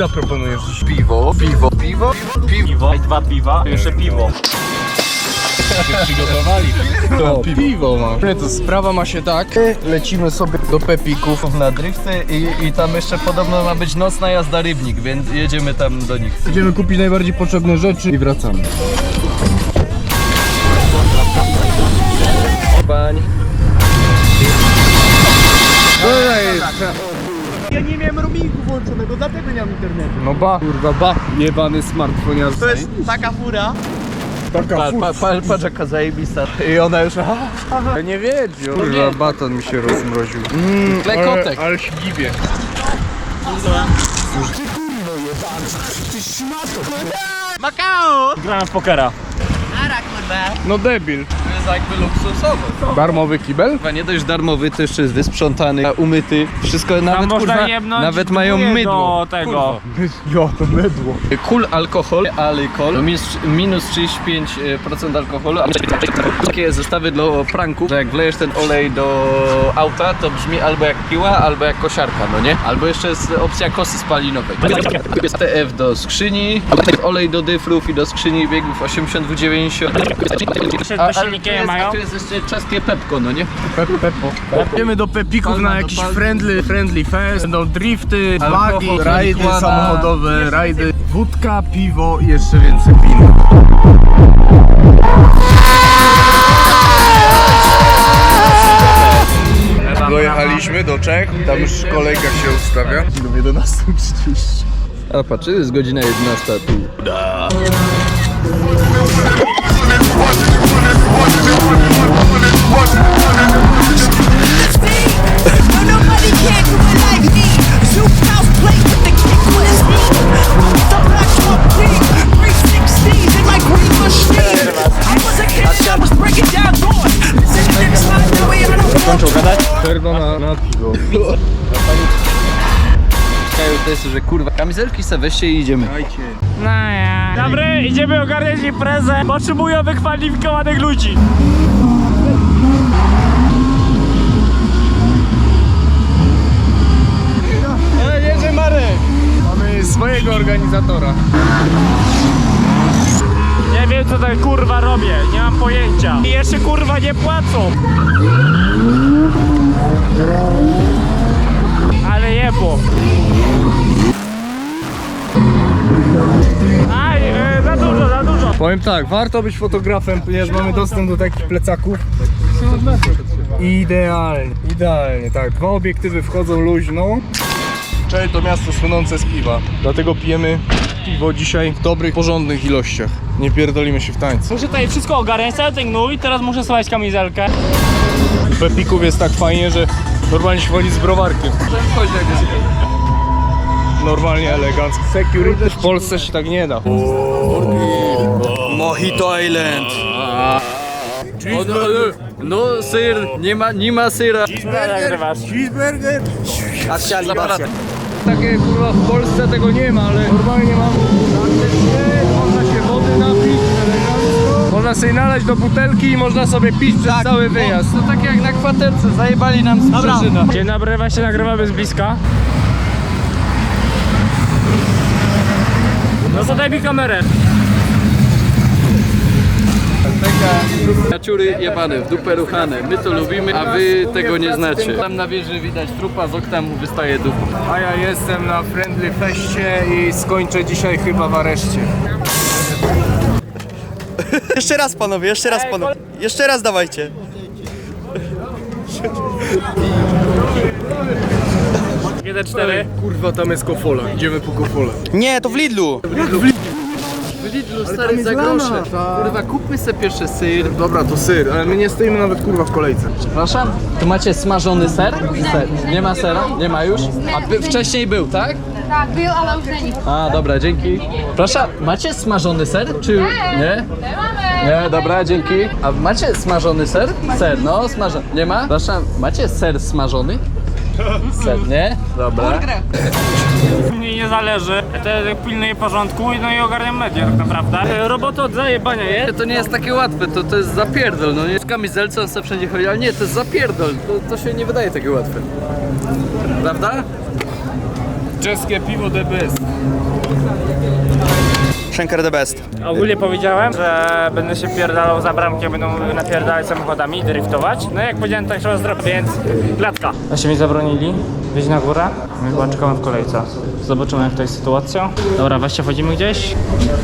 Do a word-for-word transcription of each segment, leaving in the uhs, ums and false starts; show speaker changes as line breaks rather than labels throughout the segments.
zaproponujesz? Piwo, piwo, piwo, piwo.
Piwo, i dwa piwa, jeszcze piwo.
Przygotowali. To piwo, piwo ma. Nie, to sprawa ma się tak. Lecimy sobie do Pepików
Na drifty i, i tam jeszcze podobno ma być nocna jazda Rybnik, więc jedziemy tam do nich.
Idziemy kupić najbardziej potrzebne rzeczy i wracamy.
Pań.
Ja nie miałem roamingu włączonego, dlatego nie mam internetu.
No ba, kurwa ba, jebany smartfon jazdy.
To jest taka fura.
Taka
Pa, pa, pa, patrz jaka zajebista. I ona już...
Ja nie wiedział. Kurwa, baton mi się rozmroził.
Mmm, klekotek.
Ale się gibie.
Makao! Grałem w pokera.
No debil.
To jest jakby luksusowo.
Darmowy kibel?
Chyba nie dość darmowy, to jeszcze jest wysprzątany, umyty. Wszystko nawet
można
kurwa,
jebnąć
nawet mają
dwóje
mydło.
do tego.
Jo, to mydło.
Cool alkohol, alkohol, minus, minus trzydzieści pięć procent alkoholu, a takie zestawy do pranków, że jak wlejesz ten olej do auta, to brzmi albo jak piła, albo jak kosiarka, no nie? Albo jeszcze jest opcja kosy spalinowej. T F do skrzyni, olej do dyfrów i do skrzyni biegów osiemdziesiąt dwa dziewięćdziesiąt.
Jeszcze te silniki je mają?
A tu jest jeszcze czeskie Pepko, no nie?
Pep, pepo. Idziemy do Pepików
Palma
na
do
jakiś
palmy.
friendly, friendly fest. Będą drifty,
Alkohol,
buggy, rajdy
marihuana.
samochodowe, rajdy, wódka, piwo i jeszcze więcej wina. Dojechaliśmy do Czech, tam już kolejka się ustawia. Do jedenastej trzydzieści.
A patrz, jest godzina jedenasta tu.
No, nobody can do it like me. Two house plate with the kick was me. The black top pink, three sixteens in my green machine. I was a kid, I was breaking down doors. Listen to this, not the way I don't
Kończą gadać?
Perdo na, na piwo.
Kają to jest, że kurwa, kamizelki se weźcie i idziemy.
No ja. Dobry, idziemy ogarniać imprezę. Potrzebują wykwalifikowanych ludzi.
Jedzie Marek! Mamy swojego organizatora.
Nie wiem co tak kurwa robię, nie mam pojęcia. I jeszcze kurwa nie płacą. Ale jebo. Aj, e, za dużo, za dużo.
Powiem tak, warto być fotografem, ponieważ mamy dostęp do takich plecaków. Idealnie, idealnie, tak. Dwa obiektywy wchodzą luźno. Czel to miasto słynące z piwa, dlatego pijemy piwo dzisiaj w dobrych, porządnych ilościach. Nie pierdolimy się w tańcu.
Muszę tutaj wszystko ogarniać, cały ten gnój, teraz muszę schować kamizelkę.
W Pepików jest tak fajnie, że normalnie się chodzi z browarkiem. Normalnie elegancko. Security w Polsce się tak nie da.
Mojito Island. O, no, no syr, nie ma, nie ma syra.
Nagrywasz.
Cheeseburger! Takie kurwa w Polsce tego nie ma, ale normalnie mam można się wody napić elegancko. Można sobie nalać do butelki i można sobie pić przez cały wyjazd.
To tak jak na kwaterce, zajebali nam sprzeżyna.
Dzień dobry, właśnie nagrywamy z bliska. No zadaj mi kamerę.
Kaciury jebane, w dupę ruchane, my to lubimy, a wy tego nie znacie. Tam na wieży widać trupa, z okna mu wystaje dupa.
A ja jestem na Friendly Feście i skończę dzisiaj chyba w areszcie.
Jeszcze raz panowie, jeszcze raz panowie. Jeszcze raz dawajcie.
jeden cztery.
Kurwa, tam jest kofola, idziemy po kofolę.
Nie, to w Lidlu.
W Lidlu stary za grosze. Kurwa, kupmy sobie pierwszy syr.
Dobra, to syr, ale my nie stoimy nawet kurwa w kolejce.
Przepraszam? Tu macie smażony ser? Ser. Nie ma sera? Nie ma już? A by, wcześniej był, tak?
Tak, był, ale już nie.
A, dobra, dzięki. Proszę, macie smażony ser? Czy nie? Nie, dobra, dzięki. A macie smażony ser? Ser, no, smażony. Nie ma? Proszę, macie ser smażony? Ser, nie? Dobra.
Mnie nie zależy. Ja to pilnuję porządku no i ogarniam media tak naprawdę. Robota od zajebania jest.
To nie jest takie łatwe, to, to jest zapierdol, no nie? W kamizelce on sobie wszędzie chodzi, ale nie, to jest zapierdol. To, to się nie wydaje takie łatwe. Prawda?
Czeskie piwo the best.
Schenker the best.
Ogólnie powiedziałem, że będę się pierdalał za bramkę, będą napierdalać samochodami, driftować. No jak powiedziałem, tak trzeba zrobić, więc klatka. Właśnie mi zabronili wyjść na górę, my chyba czekamy w kolejce. Zobaczymy jak to jest sytuacja. Dobra, właśnie wchodzimy gdzieś.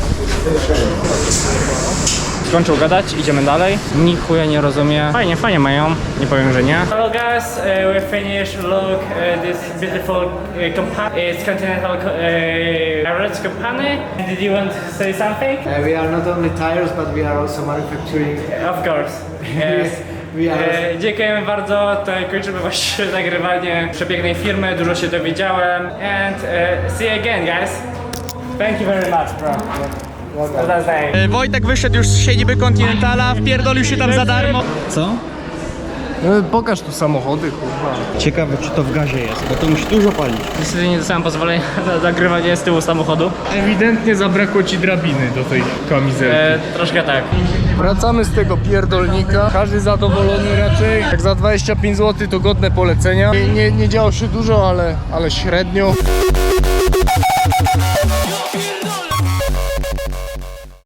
Skończył gadać, idziemy dalej. Nikt chuja nie rozumie. Fajnie, fajnie mają, nie powiem, że nie. Hello guys, uh, we finished. Look, uh, this beautiful uh, company. It's Continental uh, Average company. Did you want to say something?
Uh, we are not only tires, but we are also manufacturing.
Of course. Yes.
We are
E, dziękujemy bardzo, to kończymy właśnie nagrywanie przepięknej firmy, dużo się dowiedziałem. And e, see you again guys. Thank you very much bro. That's nice.
Wojtek wyszedł już z siedziby Continentala, wpierdolił się tam za darmo. Co?
No, pokaż tu samochody, kurwa.
Ciekawe, czy to w gazie jest, bo to musi dużo palić.
Niestety nie dostałem pozwolenia na nagrywanie z tyłu samochodu.
Ewidentnie zabrakło ci drabiny do tej kamizelki.
E, troszkę tak.
Wracamy z tego pierdolnika. Każdy zadowolony raczej. Jak za dwadzieścia pięć złotych to godne polecenia. Nie, nie, nie działo się dużo, ale, ale średnio.
Pierdolę.